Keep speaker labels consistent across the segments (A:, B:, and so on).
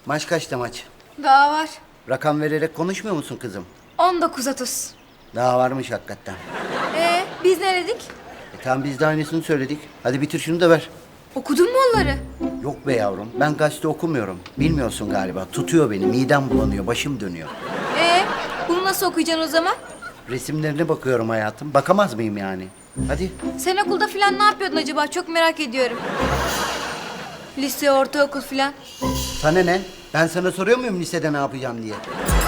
A: Maç kaçta maç?
B: Daha var.
A: Rakam vererek konuşmuyor musun kızım?
B: 19.30.
A: Daha varmış hakikaten.
B: Biz ne dedik?
A: Tamam biz de aynısını söyledik. Hadi bitir şunu da ver.
B: Okudun mu onları?
A: Yok be yavrum, ben gazete okumuyorum. Bilmiyorsun galiba. Tutuyor beni, midem bulanıyor, başım dönüyor.
B: Bunu nasıl okuyacaksın o zaman?
A: Resimlerine bakıyorum hayatım. Bakamaz mıyım yani? Hadi.
B: Sen okulda falan ne yapıyordun acaba? Çok merak ediyorum. Lise, ortaokul falan.
A: Sana ne? Ben sana soruyor muyum lisede ne yapacağım diye?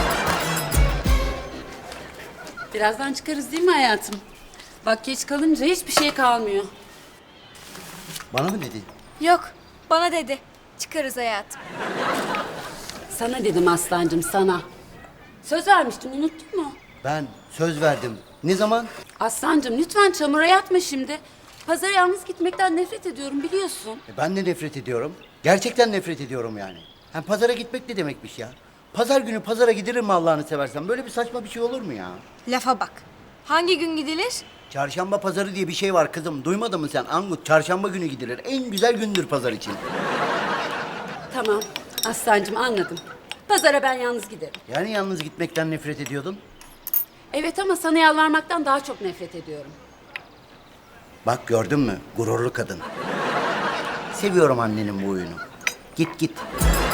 C: Birazdan çıkarız değil mi hayatım? Bak geç kalınca hiçbir şey kalmıyor.
A: Bana mı dedi?
B: Yok, bana dedi. Çıkarız hayatım.
C: Sana dedim aslancığım sana. Söz vermiştim unuttun mu?
A: Ben söz verdim. Ne zaman?
C: Aslancığım lütfen çamura yatma şimdi. Pazara yalnız gitmekten nefret ediyorum biliyorsun.
A: Ben de nefret ediyorum. Gerçekten nefret ediyorum yani. Hem pazara gitmek ne demekmiş ya? Pazar günü pazara gidilir mi Allah'ını seversen? Böyle bir saçma bir şey olur mu ya?
B: Lafa bak. Hangi gün gidilir?
A: Çarşamba pazarı diye bir şey var kızım. Duymadın mı sen Angut? Çarşamba günü gidilir. En güzel gündür pazar için.
C: Tamam aslancığım anladım. Pazara ben yalnız giderim.
A: Yani yalnız gitmekten nefret ediyordun.
C: Evet ama sana yalvarmaktan daha çok nefret ediyorum.
A: Bak gördün mü? Gururlu kadın. Seviyorum annenin bu oyunu. Git git.